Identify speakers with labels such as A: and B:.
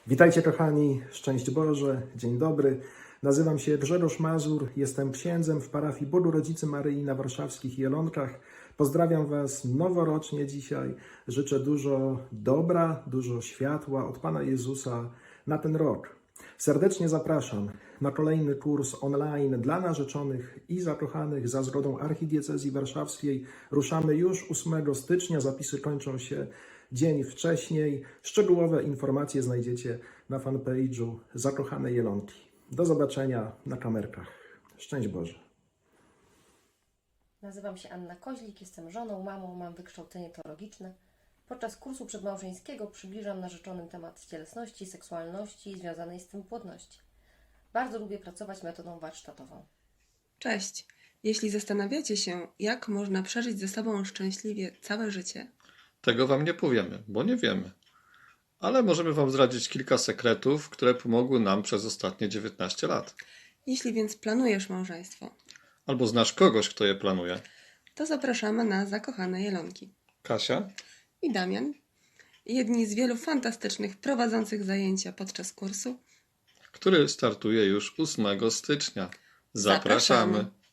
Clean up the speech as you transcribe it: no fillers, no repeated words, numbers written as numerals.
A: Witajcie kochani, szczęść Boże, dzień dobry. Nazywam się Grzegorz Mazur, jestem księdzem w parafii Bogu Rodzicy Maryi na warszawskich Jelonkach. Pozdrawiam Was noworocznie dzisiaj. Życzę dużo dobra, dużo światła od Pana Jezusa na ten rok. Serdecznie zapraszam na kolejny kurs online dla narzeczonych i zakochanych za zgodą Archidiecezji Warszawskiej. Ruszamy już 8 stycznia, zapisy kończą się dzień wcześniej. Szczegółowe informacje znajdziecie na fanpage'u Zakochane Jelonki. Do zobaczenia na kamerkach. Szczęść Boże.
B: Nazywam się Anna Koźlik, jestem żoną, mamą, mam wykształcenie teologiczne. Podczas kursu przedmałżeńskiego przybliżam narzeczonym temat cielesności, seksualności i związanej z tym płodności. Bardzo lubię pracować metodą warsztatową.
C: Cześć! Jeśli zastanawiacie się, jak można przeżyć ze sobą szczęśliwie całe życie,
D: Tego Wam nie powiemy, bo nie wiemy. Ale możemy Wam zdradzić kilka sekretów, które pomogły nam przez ostatnie 19 lat.
C: jeśli więc planujesz małżeństwo,
D: Albo znasz kogoś, kto je planuje.
C: to zapraszamy na Zakochane Jelonki.
D: Kasia?
C: I Damian, jedni z wielu fantastycznych prowadzących zajęcia podczas kursu.
D: Który startuje już 8 stycznia.
C: Zapraszamy.
D: Zapraszamy.